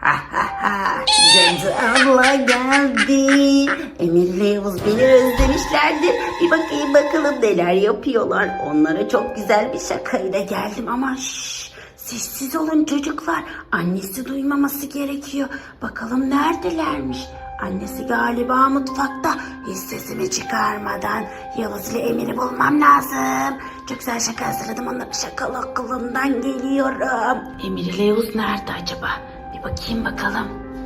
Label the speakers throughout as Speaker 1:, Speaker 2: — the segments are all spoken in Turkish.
Speaker 1: Ha ha ha. Cadı abla geldi. Emir ile Yavuz beni özlemişlerdi. Bir bakayım bakalım neler yapıyorlar. Onlara çok güzel bir şakayla geldim ama sessiz olun çocuklar. Annesi duymaması gerekiyor. Bakalım neredelermiş? Annesi galiba mutfakta. Hiç sesimi çıkarmadan Yavuz ile Emir'i bulmam lazım. Çok güzel şaka hazırladım. Onların şakalı aklımdan geliyorum. Emir ile Yavuz nerede acaba? Bir bakayım bakalım.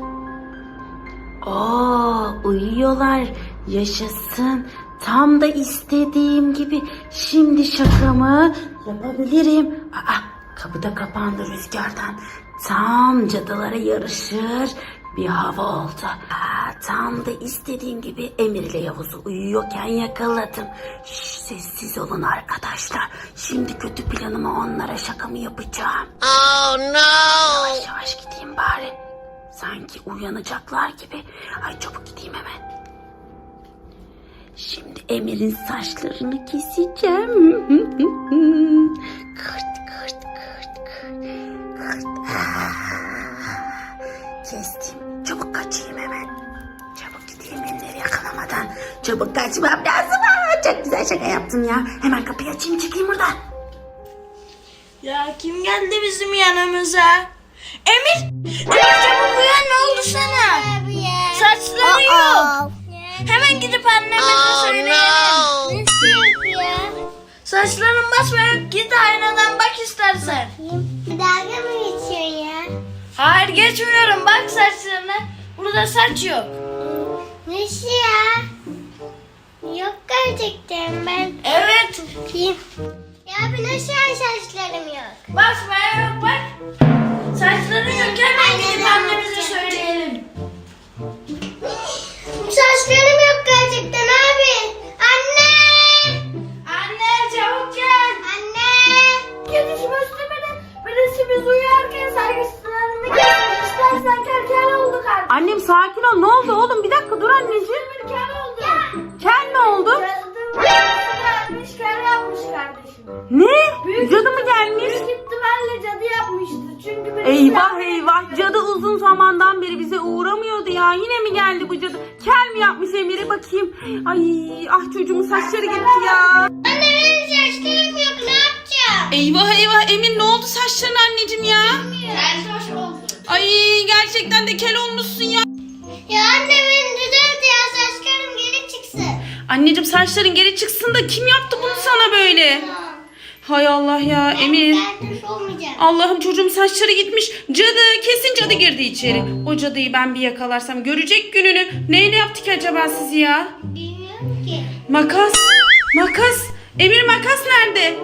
Speaker 1: Uyuyorlar. Yaşasın. Tam da istediğim gibi. Şimdi şakamı yapabilirim. Kapı da kapandı rüzgardan. Tam cadılara yarışır bir hava oldu. Tam da istediğim gibi Emir ile Yavuz'u uyuyorken yakaladım. Sessiz olun arkadaşlar. Şimdi kötü planımı onlara şakamı yapacağım.
Speaker 2: Oh no!
Speaker 1: Yavaş yavaş gideyim bari. Sanki uyanacaklar gibi. Ay çabuk gideyim hemen. Şimdi Emir'in saçlarını keseceğim. Kırt kırt kırt kırt. Kestim. Çabuk kaçayım hemen. Çabuk gideyim Emir'i yakalamadan. Çabuk kaçmam lazım. Çok güzel şaka yaptım ya. Hemen kapıyı açayım çıkayım buradan.
Speaker 3: Ya kim geldi bizim yanımıza? Emir! Emir çabuk uyan, ne oldu sana? Saçları yok. Hemen gidip anneme söyleyelim.
Speaker 2: No!
Speaker 3: Saçların basmayıp git aynadan bak istersen.
Speaker 4: Bir dalga mı geçiyor ya?
Speaker 3: Hayır geçmiyorum, bak saçlarına. Burada saç yok.
Speaker 4: Nasıl ya? Yok gerçekten ben.
Speaker 3: Evet.
Speaker 4: Bakayım. Ya bir nasıl ya saçlarım yok?
Speaker 3: Basmaya yok bak. Saçların yok, hemen gidip annemize söyleyelim.
Speaker 4: Saçlarım yok gerçekten abi. Anne!
Speaker 3: Anne çabuk gel.
Speaker 4: Anne!
Speaker 3: Kedişim üstümede birisi biz uyarken saygısızlarını kesmiş. İstersen kerkel oldu kardeşim.
Speaker 1: Annem sakin ol. Ne oldu oğlum? Bir dakika dur anneciğim.
Speaker 3: Bir kel oldu.
Speaker 1: Kel ne oldu?
Speaker 3: Cadı gelmiş, kel yapmış kardeşim.
Speaker 1: Ne? Cadı mı gelmiş?
Speaker 3: Büyük ihtimalle cadı yapmıştı. Çünkü birisi
Speaker 1: Eyvah eyvah. Cadı uzun zamandan beri bize uğramıyordu ya. Yine mi geldi bu cadı? Kel mi yapmış Emir'e bakayım. Ay çocuğumun saçları gitti ya.
Speaker 4: Anne benim saçlarım yok ne yapacağım?
Speaker 1: Eyvah eyvah Emir ne oldu saçlarına anneciğim ya?
Speaker 3: kel oldu.
Speaker 1: Ay gerçekten de kel olmuşsun ya.
Speaker 4: Ya anne beni düzelt ya saçlarım geri çıksın.
Speaker 1: Anneciğim saçların geri çıksın da kim yaptı bunu sana böyle? Hay Allah ya Emir.
Speaker 4: Ben düz olmayacağım.
Speaker 1: Allah'ım çocuğum saçları gitmiş. Cadı kesin cadı girdi içeri. O cadıyı ben bir yakalarsam görecek gününü. Neyle yaptı ki acaba sizi ya?
Speaker 4: Bilmiyorum ki.
Speaker 1: Makas. Makas. Emir makas nerede?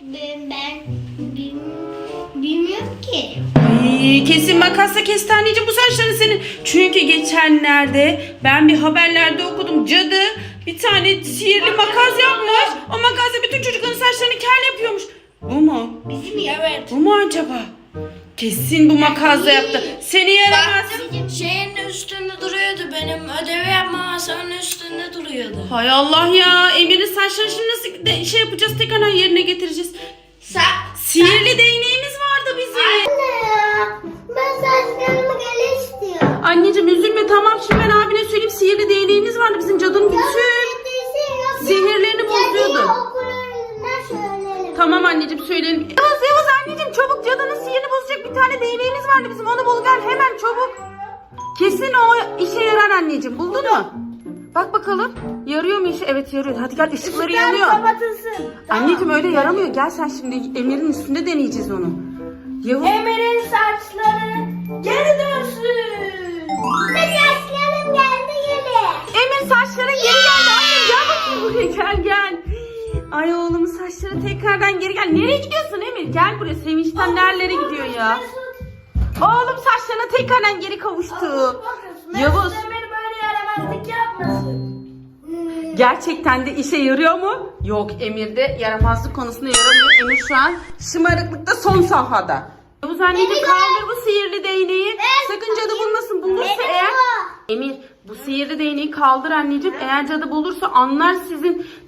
Speaker 4: Bilmiyorum ki.
Speaker 1: Ay, kesin makasla kesti anneciğim bu saçların senin. Çünkü geçenlerde ben bir haberlerde okudum. Cadı bir tane sihirli makas yapmış. O makasla bütün çocukların saçlarını kel yapıyormuş. Bu mu?
Speaker 3: Bizim evet.
Speaker 1: Bu mu acaba? Kesin bu makasla yaptı. Seni yaramaz.
Speaker 3: Baktım şeyin üstünde duruyordu, benim ödevi yapma masamın üstünde duruyordu.
Speaker 1: Hay Allah ya. Emir'in saçlarını şimdi nasıl şey yapacağız? Tekrar yerine getireceğiz. Sihirli değneğimiz vardı bizim.
Speaker 4: Anne ya ben saçlarımı geri istiyorum.
Speaker 1: Anneciğim üzülme tamam şimdi ben abine söyleyeyim. Sihirli değneğimiz vardı bizim cadının bütün sihirlerini bozuyordu.
Speaker 4: Okullarından söyleyelim.
Speaker 1: Tamam anneciğim söyleyelim. Yavuz anneciğim çabuk cadının sihirini bozacak bir tane değneğimiz vardı bizim. Onu bul gel hemen çabuk. Kesin o işe yarar anneciğim. Buldun mu? Bak bakalım. Yarıyor mu işe? Evet yarıyor. Hadi gel ışıkları yanıyor.
Speaker 3: Kapatılsın.
Speaker 1: Anneciğim öyle yaramıyor. Gel sen şimdi Emir'in üstünde deneyeceğiz onu. Yavuz.
Speaker 3: Emir'in saçları geri dönsün.
Speaker 4: Saçlarım geldi geri.
Speaker 1: Emir saçların geri geldi. Annem gel bakayım buraya gel. Ay oğlumun saçları tekrardan geri gel. Nereye gidiyorsun Emir? Gel buraya. Sevinçten nerelere gidiyor ya? Oğlum saçlarına tekrardan geri kavuştu. Yavuz.
Speaker 3: Emir böyle yaramazlık yapmasın.
Speaker 1: Gerçekten de işe yarıyor mu? Yok Emir'de yaramazlık konusunda yaramıyor. Emir şu an şımarıklıkta son safhada. Yavuz anneciğim kaldır bu sihirli değneği. Sakın cadı bulmasın. Bulursa eğer... Emir bu sihirli değneği kaldır anneciğim. Eğer cadı bulursa anlar sizin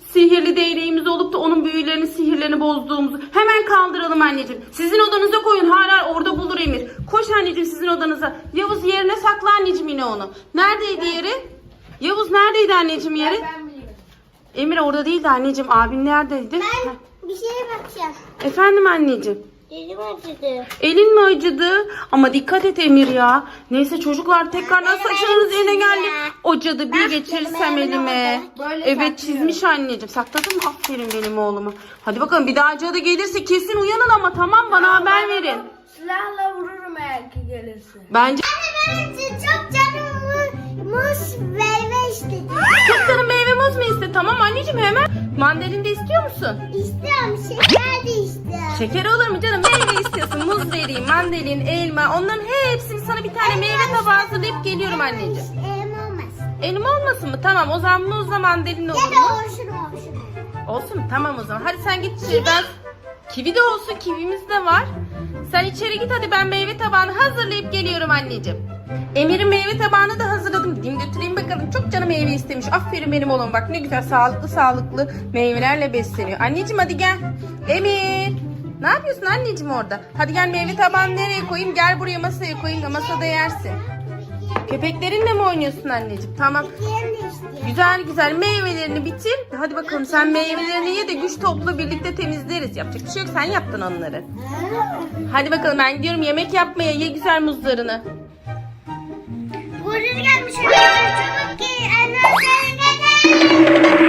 Speaker 1: sihirli değneğimiz olup da onun büyülerini, sihirlerini bozduğumuzu hemen kaldıralım anneciğim. Sizin odanıza koyun. Hala orada bulur Emir. Koş anneciğim sizin odanıza. Yavuz yerine sakla anneciğim yine onu. Neredeydi yeri? Yavuz neredeydi anneciğim yeri? Emir orada değildi anneciğim. Abin neredeydi?
Speaker 4: Ben bir şeye bakacağım.
Speaker 1: Efendim anneciğim.
Speaker 4: Elim acıdı.
Speaker 1: Elin mi acıdı? Ama dikkat et Emir ya. Neyse çocuklar tekrardan saçlarınız yerine geldi. O cadı bir geçirirsem elime. Evet çizmiş anneciğim. Sakladın mı? Aferin benim oğlumu. Hadi bakalım bir daha cadı gelirse kesin uyanın ama tamam bana haber verin.
Speaker 3: Silahla vururum eğer ki gelirse.
Speaker 1: Bence
Speaker 4: Ben çok canım muz meyve istedim.
Speaker 1: çok canım meyve muz mu iste? Tamam anneciğim hemen. Mandalina de istiyor musun?
Speaker 4: İstiyorum, şeker de istiyorum.
Speaker 1: Şeker olur mu canım? Meyve istiyorsun. Muz vereyim, mandalin, elma. Onların hepsini sana bir tane meyve tabağı hazırlayıp geliyorum anneciğim.
Speaker 4: Elim olmasın.
Speaker 1: Elma olmasın mı? Tamam o zaman muzla mandalina olur
Speaker 4: Ya
Speaker 1: mu?
Speaker 4: da olsun.
Speaker 1: Olsun tamam o zaman. Hadi sen git içeri. Kivi de olsun. Kivimiz de var. Sen içeri git hadi ben meyve tabağını hazırlayıp geliyorum anneciğim. Emir'in meyve tabağını da hazırladım. Gideyim götüreyim bakalım. Çok canım meyve istemiş. Aferin benim oğlum. Bak ne güzel sağlıklı meyvelerle besleniyor. Anneciğim hadi gel. Emir. Ne yapıyorsun anneciğim orada? Hadi gel meyve tabağını nereye koyayım? Gel buraya masaya koyayım da masada yersin. Köpeklerinle mi oynuyorsun anneciğim? Tamam.
Speaker 4: Yerim de istiyorum.
Speaker 1: Güzel güzel meyvelerini bitir. Hadi bakalım sen meyvelerini ye de güç topla birlikte temizleriz. Yapacak bir şey yok sen yaptın onları. Hadi bakalım ben gidiyorum yemek yapmaya. Ye güzel muzlarını.
Speaker 4: Burada gelmiş. Çabuk gel. Anne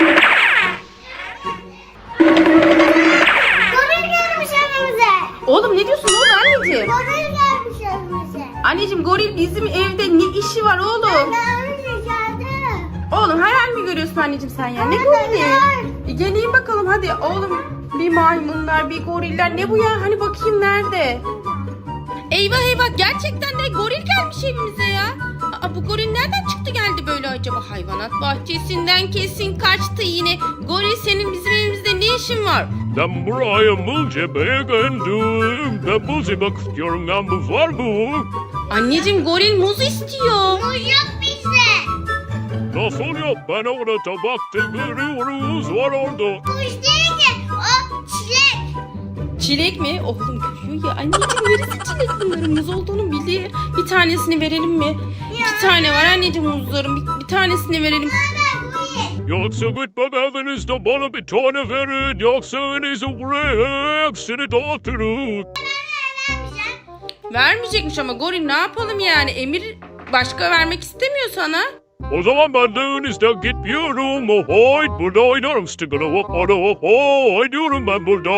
Speaker 4: Goril gelmiş evimize.
Speaker 1: Oğlum ne diyorsun oğlum anneciğim?
Speaker 4: Goril gelmiş evimize.
Speaker 1: Anneciğim goril bizim evde ne işi var oğlum?
Speaker 4: Ben ricadı.
Speaker 1: Oğlum hayal mi görüyorsun anneciğim sen ya? Ne gorili? Geleyim bakalım hadi oğlum. Bir maymunlar, bir goriller. Ne bu ya? Hani bakayım nerede? Eyvah eyvah gerçekten de goril gelmiş evimize ya. Aa, bu goril nereden çıktı geldi böyle acaba? Hayvanat bahçesinden kesin kaçtı yine. Goril senin bizim evimizde ne işin var?
Speaker 5: Ben buraya muz yemeye geldim. Ben muz yemek istiyorum. Ya muz var mı?
Speaker 1: Anneciğim goril muz istiyor.
Speaker 4: Muz yok bizde.
Speaker 5: Nasıl yok? Ben orada tabakta görüyoruz. Var orada.
Speaker 4: Muz değil ki. O çilek.
Speaker 1: Çilek mi? Oğlum görüyor ya. Anneciğim neresi çilek bunların muz olduğunu bilir. Bir tanesini verelim mi? İki tane var anneciğim muzların. Bir tanesini verelim.
Speaker 5: Yoksa gitmem evinizde bana bir tane verin. Yoksa evinizi buraya hepsini dağıtırım.
Speaker 1: Vermeyecekmiş ama goril ne yapalım yani? Emir başka vermek istemiyor sana.
Speaker 5: O zaman ben de evinizden gitmiyorum. Haydi burada oynarım. Stigara hop diyorum ben burada.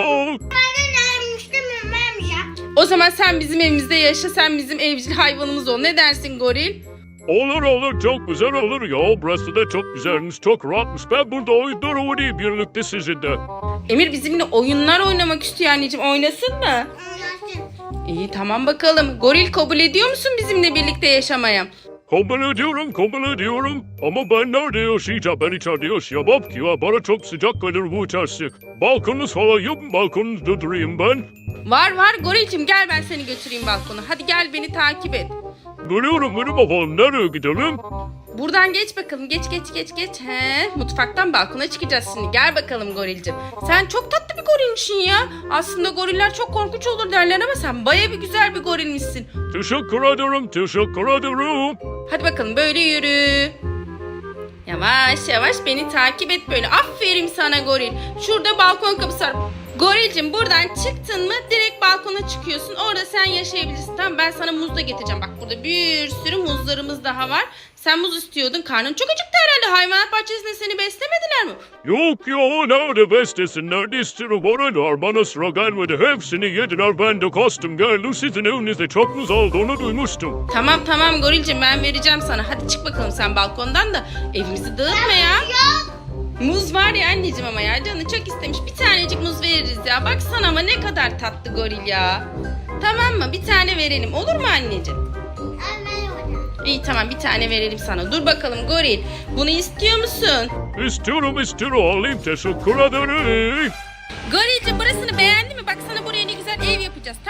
Speaker 1: O zaman sen bizim evimizde yaşa. Sen bizim evcil hayvanımız ol. Ne dersin goril?
Speaker 5: Olur çok güzel olur ya. Burası da çok güzelmiş, çok rahatmış. Ben burada oyunlar oynayayım birlikte sizinle.
Speaker 1: Emir bizimle oyunlar oynamak istiyor anneciğim. Oynasın mı? İyi tamam bakalım. Goril kabul ediyor musun bizimle birlikte yaşamaya?
Speaker 5: Kabul ediyorum. Ama ben nerede yaşayacağım? Ben içeride yaşayamam ki ya. Bana çok sıcak gelir bu içerisi. Balkonunuz falan yok mu? Balkonunuzda durayım ben.
Speaker 1: Var gorilcim gel ben seni götüreyim balkona. Hadi gel beni takip et.
Speaker 5: Geliyorum bakalım. Nereye gidelim?
Speaker 1: Buradan geç bakalım. Geç. Mutfaktan balkona çıkacağız şimdi. Gel bakalım gorilcim. Sen çok tatlı bir gorilmişsin ya. Aslında goriller çok korkunç olur derler ama sen baya bir güzel bir gorilmişsin.
Speaker 5: Teşekkür ederim.
Speaker 1: Hadi bakalım böyle yürü. Yavaş beni takip et böyle. Aferin sana goril. Şurada balkon kapısı var. Gorilcim buradan çıktın mı direkt balkona çıkıyorsun. Orada sen yaşayabilirsin. Tamam ben sana muz da getireceğim. Bak burada bir sürü muzlarımız daha var. Sen muz istiyordun. Karnın çok acıktı herhalde. Hayvanat bahçesinde seni beslemediler mi?
Speaker 5: Yok ya nerede beslesinler? İstiyorum oralar. Bana sıra gelmedi. Hepsini yediler. Ben de kastım geldim. Sizin evinizde çok muz olduğunu duymuştum.
Speaker 1: Tamam gorilcim ben vereceğim sana. Hadi çık bakalım sen balkondan da evimizi dağıtma ya. Muz var ya anneciğim ama ya canı çok istemiş. Bir tanecik muz veririz ya. Baksana ama ne kadar tatlı goril ya. Tamam mı? Bir tane verelim. Olur mu anneciğim? İyi tamam bir tane verelim sana. Dur bakalım goril. Bunu istiyor musun?
Speaker 5: İstiyorum. Alayım. Teşekkür ederim.
Speaker 1: Gorilcim burasını beğendi mi? Bak sana buraya ne güzel ev yapacağız. Tamam mı?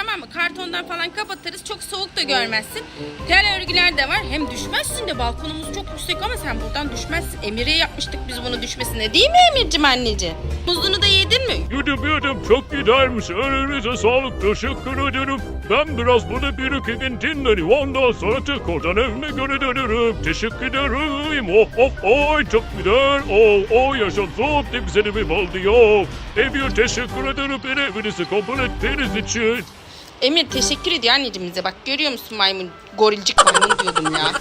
Speaker 6: kartondan falan kapatırız. Çok soğuk da görmezsin. Tel örgüler de var. Hem düşmezsin de balkonumuz çok yüksek ama sen buradan düşmezsin. Emir'e yapmıştık biz bunu düşmesine. Değil mi Emir'cim anneciğim? Muzunu da yedin mi?
Speaker 5: Yedim çok gidermiş. Elinize sağlık. Teşekkür ederim. Ben biraz burada bir iki gün dinleneyim. Ondan sonra tekrardan evime göre dönerim. Teşekkür ederim. Oh çok güzel. Oh yaşasın. Ne güzel evim oldu ya. Emir teşekkür ederim. Beni evinizi kabul ettiğiniz için.
Speaker 6: Emir teşekkür ediyor anneciğim bize. Bak görüyor musun maymun? Gorilcik maymun diyordum ya.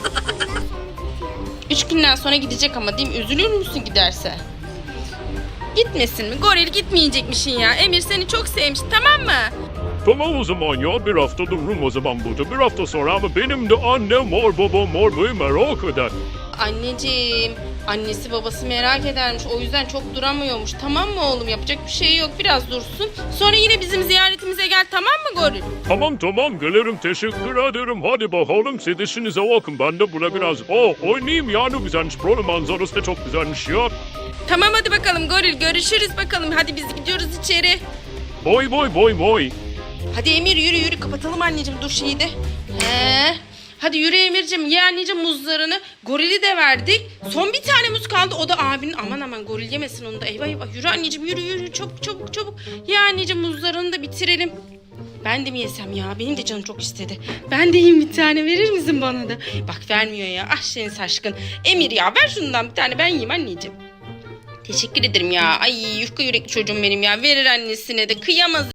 Speaker 6: 3 günden sonra gidecek ama değil mi? Üzülür müsün giderse? Gitmesin mi? Goril gitmeyecekmişsin ya. Emir seni çok sevmiş, tamam mı?
Speaker 5: Tamam o zaman ya bir hafta dururum o zaman burada. Bir hafta sonra ama benim de annem var babam var beni merak eder.
Speaker 6: Anneciğim, annesi babası merak edermiş. O yüzden çok duramıyormuş. Tamam mı oğlum? Yapacak bir şey yok. Biraz dursun. Sonra yine bizim ziyaretimize gel, tamam mı Goril?
Speaker 5: Tamam gelirim teşekkür ederim. Hadi bakalım siz işinize bakın. Ben de burada biraz oynayayım ya ne güzelmiş. Buranın manzarası da çok güzelmiş ya.
Speaker 6: Tamam hadi bakalım Goril. Görüşürüz bakalım. Hadi biz gidiyoruz içeri.
Speaker 5: Boy.
Speaker 6: Hadi Emir yürü kapatalım anneciğim dur şeyi de. Hadi yürü Emir'cim ye anneciğim muzlarını. Gorili de verdik. Son bir tane muz kaldı o da abinin. Aman goril yemesin onu da. Eyvah yürü anneciğim yürü çabuk. Ye anneciğim muzlarını da bitirelim. Ben de mi yesem ya? Benim de canım çok istedi. Ben de yiyeyim bir tane verir misin bana da? Bak vermiyor ya. Ah senin şaşkın. Emir ya ver şundan bir tane ben yiyeyim anneciğim. Teşekkür ederim ya. Ay yufka yürekli çocuğum benim ya. Verir annesine de kıyamaz.